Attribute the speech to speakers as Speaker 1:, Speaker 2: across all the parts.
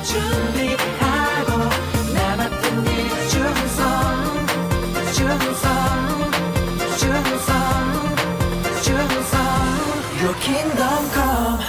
Speaker 1: 준비하고 나 맡은 일 충성 Your kingdom come.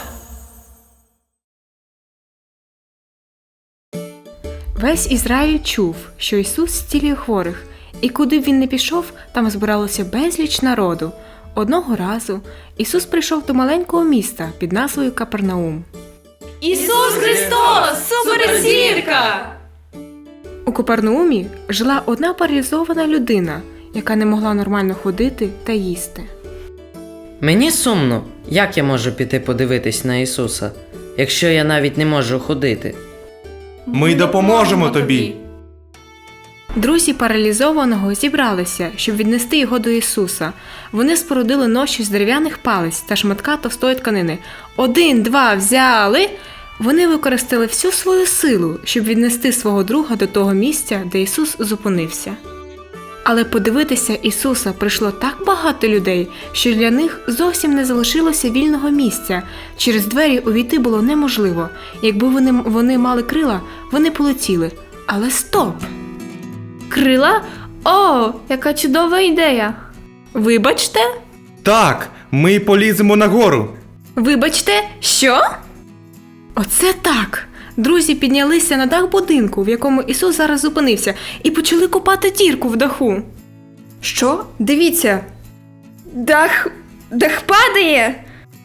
Speaker 2: Весь Ізраїль чув, що Ісус зцілює хворих, і куди б він не пішов, там збиралося безліч народу. Одного разу Ісус прийшов до маленького міста під назвою Капернаум.
Speaker 3: Ісус Христос! Суперзірка!
Speaker 2: У Капернаумі жила одна паралізована людина, яка не могла нормально ходити та їсти.
Speaker 4: Мені сумно, як я можу піти подивитись на Ісуса, якщо я навіть не можу ходити?
Speaker 5: Ми допоможемо тобі.
Speaker 2: Друзі паралізованого зібралися, щоб віднести його до Ісуса. Вони спорудили ноші з дерев'яних палиць та шматка товстої тканини. 1, 2, взяли! Вони використали всю свою силу, щоб віднести свого друга до того місця, де Ісус зупинився. Але подивитися Ісуса прийшло так багато людей, що для них зовсім не залишилося вільного місця. Через двері увійти було неможливо. Якби вони мали крила, вони полетіли. Але стоп!
Speaker 3: Крила? О, яка чудова ідея!
Speaker 2: Вибачте?
Speaker 5: Так, ми поліземо нагору.
Speaker 2: Вибачте, що? Оце так! Друзі піднялися на дах будинку, в якому Ісус зараз зупинився, і почали копати дірку в даху.
Speaker 3: Що? Дивіться! Дах падає!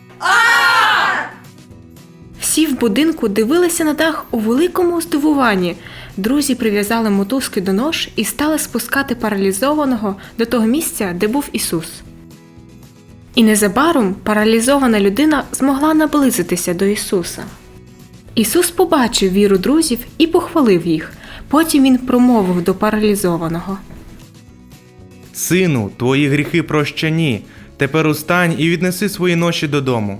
Speaker 2: Всі в будинку дивилися на дах у великому здивуванні. Друзі прив'язали мотузки до нож і стали спускати паралізованого до того місця, де був Ісус. І незабаром паралізована людина змогла наблизитися до Ісуса. Ісус побачив віру друзів і похвалив їх. Потім Він промовив до паралізованого.
Speaker 5: Сину, твої гріхи прощені. Тепер устань і віднеси свої ноші додому.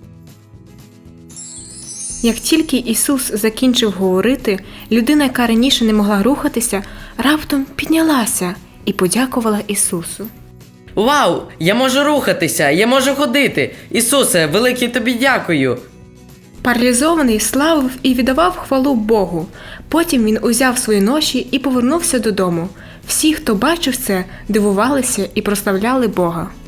Speaker 2: Як тільки Ісус закінчив говорити, людина, яка раніше не могла рухатися, раптом піднялася і подякувала Ісусу.
Speaker 4: Вау! Я можу рухатися! Я можу ходити! Ісусе, велике тобі дякую!
Speaker 2: Паралізований славив і віддавав хвалу Богу. Потім він узяв свої ноші і повернувся додому. Всі, хто бачив це, дивувалися і прославляли Бога.